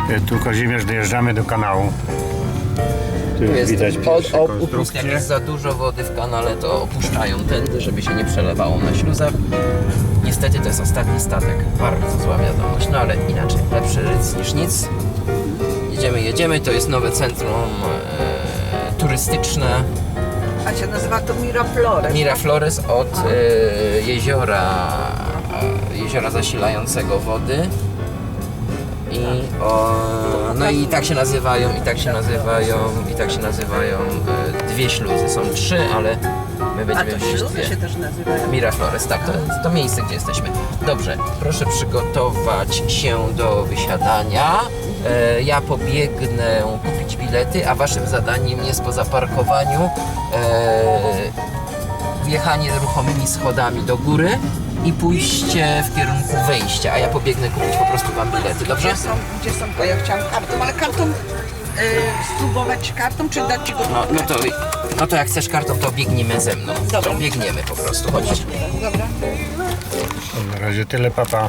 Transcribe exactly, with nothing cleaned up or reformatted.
Tu Kazimierz, dojeżdżamy do kanału. Tu już Jest widać od, pierwsze o, upust, jak konstrukcje. jest za dużo wody w kanale, to opuszczają tędy, żeby się nie przelewało na śluzach. Niestety to jest ostatni statek. Bardzo zła wiadomość, no ale inaczej. Lepszy ryc niż nic. Jedziemy, jedziemy. To jest nowe centrum e, turystyczne A się nazywa to Miraflores. Miraflores od e, jeziora, e, jeziora zasilającego wody. I o, no i tak się nazywają, i tak się nazywają, i tak się nazywają e, dwie śluzy. Są trzy, ale my A będziemy to wziąć śluzy dwie. się też nazywają. Miraflores, tak, to, to miejsce, gdzie jesteśmy. Dobrze, proszę przygotować się do wysiadania. E, ja pobiegnę kupić bilety, a waszym zadaniem jest po zaparkowaniu e, wjechanie ruchomymi schodami do góry i pójście w kierunku wejścia, a ja pobiegnę kupić po prostu wam bilety, dobrze? Gdzie są, gdzie są, bo ja chciałam kartą, ale kartą, y, spróbować kartą, czy dać ci go? No, no, to, no to jak chcesz kartą, to biegniemy ze mną. Dobra. To biegniemy po prostu, chodźcie. Dobra. Na razie tyle, papa.